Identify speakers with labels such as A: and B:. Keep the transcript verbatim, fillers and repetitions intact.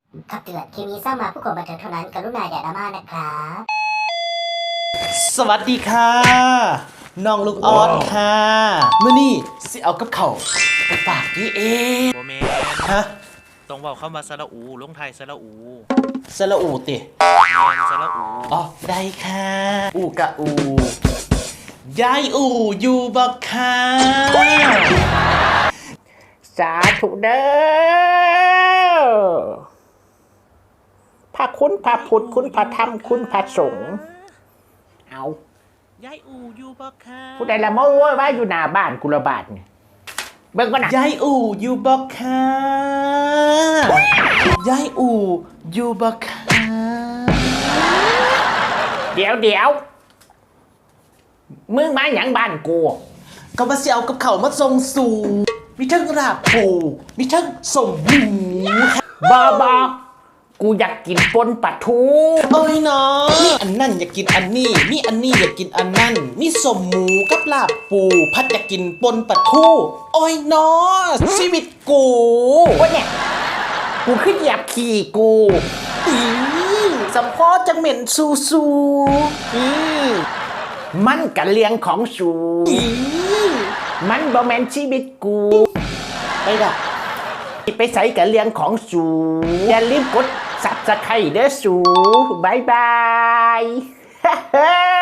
A: คำเตือนคลิปนี้สร้างมาเพื่อความบันเทิงเท่านั้นกรุณาอย่าดราม่านะครับ
B: สวัสดีค่ะน้องลูกออดค่ะมื้อนี้สิเอากับเขาวไปฝากยี่เอ
C: โบเมน
B: ฮะ
C: ตรงเบาเข้ามาสระอูลงไทยสระอู
B: สระอูติ
C: เมนสระอู
B: อ๋อได้ค่ะอูกะอูยายอูอยู่บ่ค่ะ
D: สาธุเด้อพระคุณพระพุทธคุณพระธรรมคุณพระสงฆ์เอา
C: ยายอูอยู่บ่ค่ะ
D: ผู้ใดละโม้ว่าอยู่หน้าบ้านกุลบาทเนี่ยเบิ่งก่อนนะ
B: ยายอูอยู่บ่ค่ะยายอูอยู่บ่ค่ะ
D: เดี๋ยวเดี๋ยวมึงมาหยังบ้านกู
B: ก็มาสิเอากับเขาวมาส่งสู่มีทั้งราบปูมีทั้งสมหมูค่ะ
D: บอบอกูอยากกินปนปลาทู
B: โอ้ยเนาะมีอันนั่นอยากกินอันนี้มีอันนี้อยากกินอันนั่นมีสมหมูกับลาบปูพัดอยากกินปนปลาทูโอ้ยเนาะชีวิตกู
D: โอ้ยเนี่ยกูขึ้นเหยียบขี่กู
B: อีสัมพอจังเหม็นซูซู
D: อีมันกะเลียงของสู
B: อี
D: มันบ่แม่นชีวิตกู
B: ไปดับ
D: ไปใส่กับเรื่องของสูอย่าลืมกดสับสไครเด้อสูบายบาย